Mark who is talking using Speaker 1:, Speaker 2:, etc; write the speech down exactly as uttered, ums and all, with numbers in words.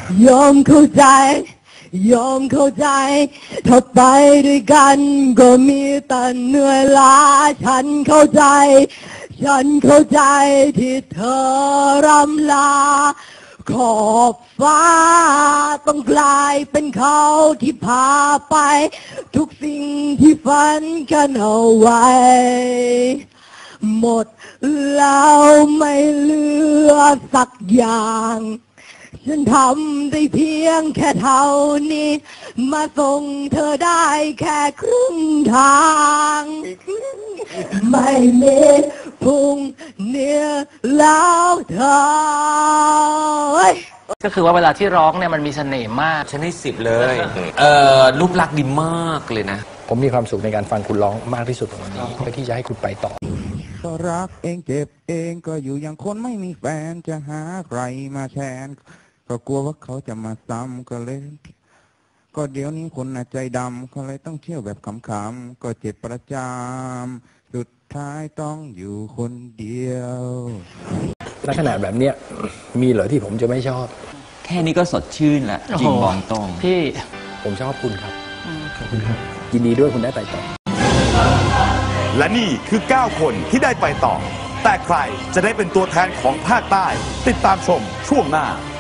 Speaker 1: ยอมเข้าใจยอมเข้าใจถ้าไปด้วยกันก็มีแต่เหนื่อยล้าฉันเข้าใจฉันเข้าใจที่เธอรำลาขอบฟ้าต้องกลายเป็นเขาที่พาไปทุกสิ่งที่ฝันกันเอาไว้หมดแล้วไม่เหลือสักอย่างฉันทำได้เพียงแค่เท่านี้มาส่งเธอได้แค่ครึ่งทางไม่มีพุ่งเนื้อแล้วเธอ
Speaker 2: ก็คือว่าเวลาที่ร้องเนี่ยมันมีเสน่ห์มาก
Speaker 3: ฉันให้สิบเลยเอ่อรูปลักษณ์ดีมากเลยนะ
Speaker 4: ผมมีความสุขในการฟังคุณร้องมากที่สุดวันนี้เพื่อที่จะให้คุณไปต่อ
Speaker 5: ก็รักเองเจ็บเองก็อยู่อย่างคนไม่มีแฟนจะหาใครมาแทนก็กลัวว่าเขาจะมาซ้ำก็เลยก็เดี๋ยวนี้คนน่ะใจดำก็เลยต้องเที่ยวแบบขำๆก็เจ็บประจำสุดท้ายต้องอยู่คนเดียว
Speaker 4: ลักษณะแบบเนี้ยมีเหรอที่ผมจะไม่ชอบ
Speaker 3: แค่นี้ก็สดชื่นแหละจริงบอกตรง
Speaker 2: พี่
Speaker 4: ผมชอบคุณครับขอบคุณครับยินดีด้วยคุณได้ไปต่อ
Speaker 6: และนี่คือเก้าคนที่ได้ไปต่อแต่ใครจะได้เป็นตัวแทนของภาคใต้ติดตามชมช่วงหน้า